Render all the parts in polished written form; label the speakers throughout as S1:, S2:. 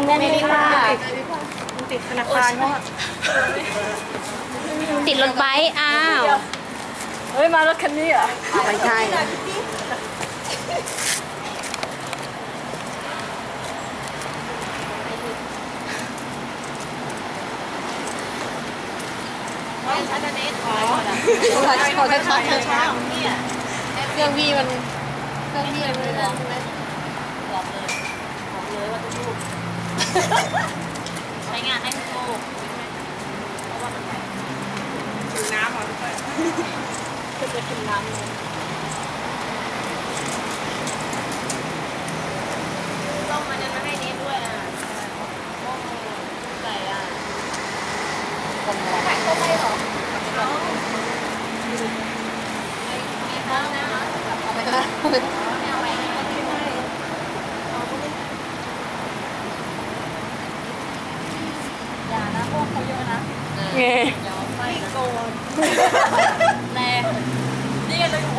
S1: แน่นเลยค่ะ
S2: ติดธนาคารเขา
S1: ติดรถไบค์อ้าว
S2: เฮ้ยมารถคันนี้เหรอไม่ใช่
S3: ชันเน็ตขอ
S2: ขอช้า
S3: เช้าเนี่ย
S2: เครื่องพี่มันเครื่องพี่มันไม่ได้ใช่ไหม
S3: บอกเลยว่าทุกใช้งานให้ทุกเพราะว่ามันถึงน้ำเหรอทุกคน
S2: จะกินน้ำ
S3: ต้องมันนั้นมาให้เน็ตด้วยอ่ะต้องใส่อ่ะถ่ายเข้าไปหรอไม่เข้านะเอาไปเลยไม่เอาไปอย่านะพวกเขาเยอะนะ
S2: ไง
S3: อย่าไปโกนแน่นี่กันเลยโอ้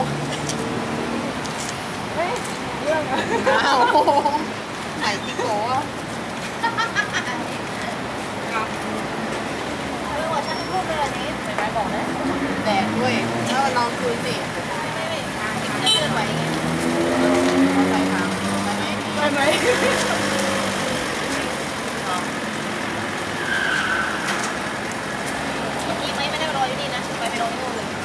S2: เฮ้ยเรื่องอ้าวไหนที่โก้
S3: ฉันพูดเลยอันนี้ไม่บอกนะ
S2: แดดด้วยแล้วลองคุยสิ
S3: ไม่จะเลื่อนไหวไง
S2: ไปทางไปไหมไปไหม
S3: เมื่อกี้ไม่ได้รออยู่นี่นะไปรอที่นู่นเลย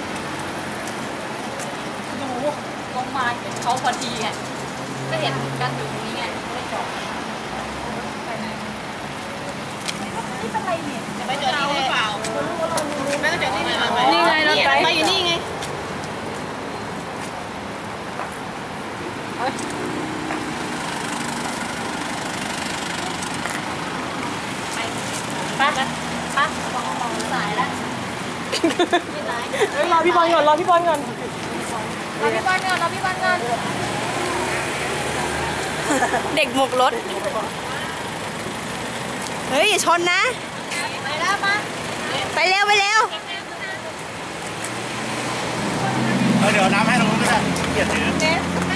S3: ดูลงมาเห็นเขาพอดีไงก็เห็นกันอยู่ตรงนี้ไงไม่ได้จอดไปไหนนี่เป็นไรเนี่ยจะไปจอดที่ไหนเปล่าไม่ก็จอดที่ไหน
S2: นี่ไงรถไฟ
S3: อยู่นี่ไงป้ามองสายแล้ว
S2: รอพี่บอลก่อนรอพี่บอลก่อนเด็กหมกรถเฮ้ยอย่าชนนะ
S3: ไปแล้วมา
S2: ไปเร็ว
S4: เดี๋ยวน้ำให้ตรงนู้นก็ได้เกียรถือ